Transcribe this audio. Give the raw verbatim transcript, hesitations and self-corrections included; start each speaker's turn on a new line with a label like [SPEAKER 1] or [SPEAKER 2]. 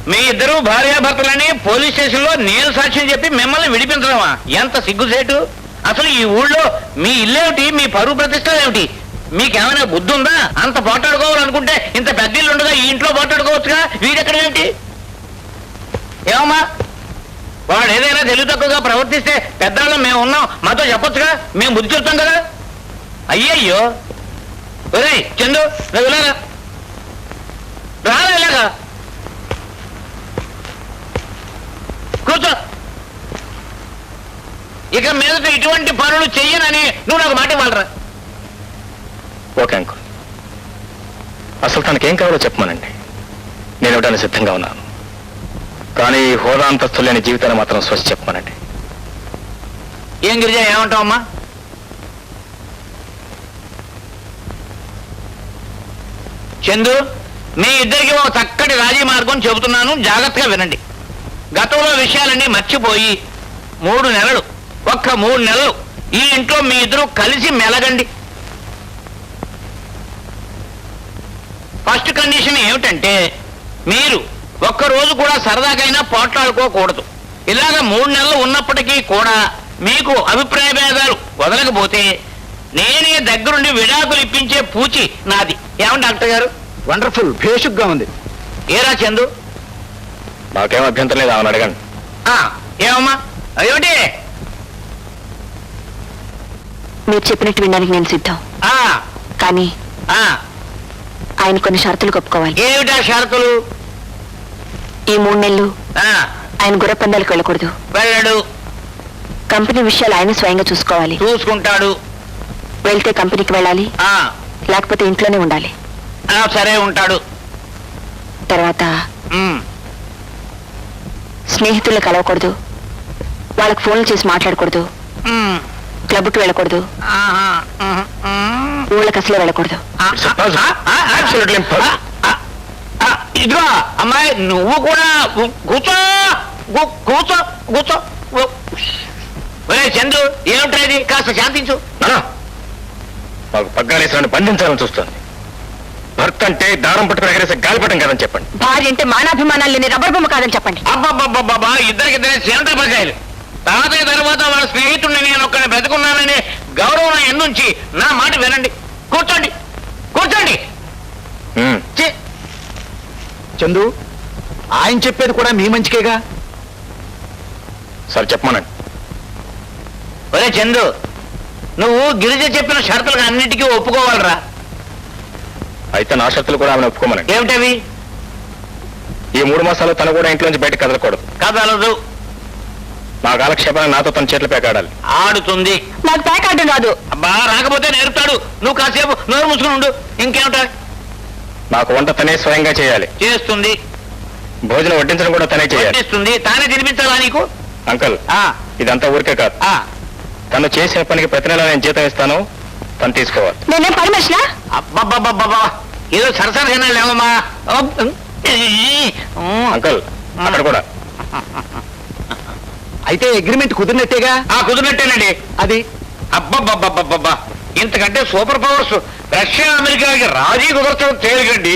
[SPEAKER 1] మీ ఇద్దరు భార్యాభర్తలని police station లో నేను సాక్ష్యం చెప్పి మిమ్మల్ని విడిపించడమా? ఎంత సిగ్గుసేటు! అసలు ఈ ఊళ్ళో మీ ఇల్లేమిటి, మీ పరువు ప్రతిష్టలు ఏమిటి? మీకేమైనా బుద్ధి ఉందా? అంత పోటాడుకోవాలనుకుంటే ఇంత పెద్ద ఇల్లు ఉండగా ఈ ఇంట్లో పోటాడుకోవచ్చుగా. వీడెక్కడ ఏమిటి? ఏమమ్మా, వాడు ఏదైనా తెలివి తక్కువగా ప్రవర్తిస్తే పెద్దవాళ్ళం మేము ఉన్నాం, మాతో చెప్పొచ్చుగా, మేము బుద్ధి చెప్తాం కదా. అయ్యయ్యో, ఒరేయ్ చందు, నువ్వు ఇలాగా రాలా, ఇలాగా కూర్చో. ఇక మీదట ఇటువంటి పనులు చెయ్యనని నువ్వు నాకు మాట ఇవ్వాలరా.
[SPEAKER 2] ఓకే అంకుల్, అసలు తనకేం కావాలో చెప్పమానండి, నేను ఇవ్వడానికి సిద్ధంగా ఉన్నాను. కానీ హోదా అంతస్తు లేని జీవితాన్ని మాత్రం స్వచ్ఛ చెప్పమానండి.
[SPEAKER 1] ఏం గిరిజా, ఏమంటావమ్మా? చందు, మీ ఇద్దరికి ఒక చక్కటి రాజీ మార్గం చెబుతున్నాను, జాగ్రత్తగా వినండి. గతంలో విషయాలన్నీ మర్చిపోయి మూడు నెలలు ఒక్క మూడు నెలలు ఈ ఇంట్లో మీ ఇద్దరు కలిసి మెలగండి. ఫస్ట్ కండిషన్ ఏమిటంటే మీరు ఒక్కరోజు కూడా సరదాకైనా పోట్లాడుకోకూడదు. ఇలాగ మూడు నెలలు ఉన్నప్పటికీ కూడా మీకు అభిప్రాయ భేదాలు వదలకపోతే నేనే దగ్గరుండి విడాకులు ఇప్పించే పూచి నాది. ఏమండి డాక్టర్ గారు?
[SPEAKER 3] వండర్ఫుల్, భేషుగ్గా ఉంది.
[SPEAKER 1] ఏరా చందు?
[SPEAKER 2] నాకేం అభ్యంతరం లేదు, ఆమెను అడగండి.
[SPEAKER 1] ఏమమ్మా, ఏమిటి?
[SPEAKER 4] మీరు చెప్పినట్టు వినడానికి నేను సిద్ధం, కానీ ఆయన కొన్ని షరతులు ఒప్పుకోవాలి.
[SPEAKER 1] ఏమిటా షరతులు?
[SPEAKER 4] ఈ మూడు నెలలు ఆయన గుర్రపందాలకు వెళ్ళకూడదు.
[SPEAKER 1] వెళ్ళడు.
[SPEAKER 4] కంపెనీ విషయాలు ఆయన స్వయంగా చూసుకోవాలి.
[SPEAKER 1] చూసుకుంటాడు.
[SPEAKER 4] వెళ్తే కంపెనీకి వెళ్ళాలి, లేకపోతే ఇంట్లోనే ఉండాలి.
[SPEAKER 1] సరే, ఉంటాడు.
[SPEAKER 4] తర్వాత స్నేహితులు కలవకూడదు, వాళ్ళకి ఫోన్లు చేసి మాట్లాడకూడదు, క్లబ్కి వెళ్ళకూడదు, ఊళ్ళకి అసలే వెళ్ళకూడదు.
[SPEAKER 1] ఇదిగో అమ్మాయి, నువ్వు కూడా కూర్చో కూర్చో కూర్చో. ఒరే చందు, ఏమిట్రేది? కాస్త శాంతించు.
[SPEAKER 2] మాకు పగ్గాలేసాన్ని బంధించాలని చూస్తుంది. భర్త అంటే దారం పట్టుకుని ఎగరేసే గాలిపటం కాదని చెప్పండి.
[SPEAKER 4] భార్య అంటే మానాభిమానాలు లేని రబ్బర్ బొమ్మ కాదని చెప్పండి.
[SPEAKER 1] అబ్బాబ్బాబ్బా, ఇద్దరికిద్దరే సేంద్ర పకాయలు. తాతయ్య తర్వాత వాళ్ళ స్నేహితుడిని నేను ఒక్కడిని బ్రతుకున్నానని గౌరవం ఎన్నుంచి నా మాట వినండి. కూర్చోండి, కూర్చోండి.
[SPEAKER 3] చందు, ఆయన చెప్పేది కూడా మీ మంచికేగా.
[SPEAKER 2] సరే చెప్పమానండి.
[SPEAKER 1] ఒరే చందు, నువ్వు గిరిజ చెప్పిన షరతులకు అన్నిటికీ ఒప్పుకోవాలరా.
[SPEAKER 2] అయితే నా షరతులు కూడా ఆమెను ఒప్పుకోమనండి.
[SPEAKER 1] ఏమిటవి?
[SPEAKER 2] ఈ మూడు మాసాలు తను కూడా ఇంట్లోంచి బయటకు కదలకూడదు.
[SPEAKER 1] కదలదు.
[SPEAKER 2] నా కాలక్షేపాన్ని నాతో తన చేతులు పేకాడాలి.
[SPEAKER 1] ఆడుతుంది.
[SPEAKER 4] నాకు పేకాడడం రాదు.
[SPEAKER 1] అబ్బా, రాకపోతే నేర్పుతాడు. నువ్వు కాసేపు నోరు మూసుకుని ఉండు. ఇంకేమిటా?
[SPEAKER 2] నాకు వంట తనే స్వయంగా చేయాలి.
[SPEAKER 1] చేస్తుంది.
[SPEAKER 2] భోజనం వడ్డించడం కూడా తనే చేయాలి.
[SPEAKER 1] వడ్డిస్తుంది. తానే తినిపించాలా నీకు?
[SPEAKER 2] అంకల్, ఇదంతా ఊరికే కాదు. తను చేసిన పనికి ప్రతి నెల నేను జీతం ఇస్తాను, తను తీసుకోవాలి.
[SPEAKER 4] నేనేం పని మనిషినా?
[SPEAKER 1] అబ్బబ్బబ్బబ్బా, ఏదో సరసరగా లేవమ్మా.
[SPEAKER 2] అంకల్, అక్కడ కూడా.
[SPEAKER 3] అయితే అగ్రిమెంట్ కుదిరినట్టేగా?
[SPEAKER 1] కుదిరినట్టేనండి.
[SPEAKER 3] అది
[SPEAKER 1] అబ్బబ్బబ్బబ్బబ్బా, ఇంతకంటే సూపర్ పవర్స్ రష్యా అమెరికాకి రాజీ కుదరచడం తేలికండి.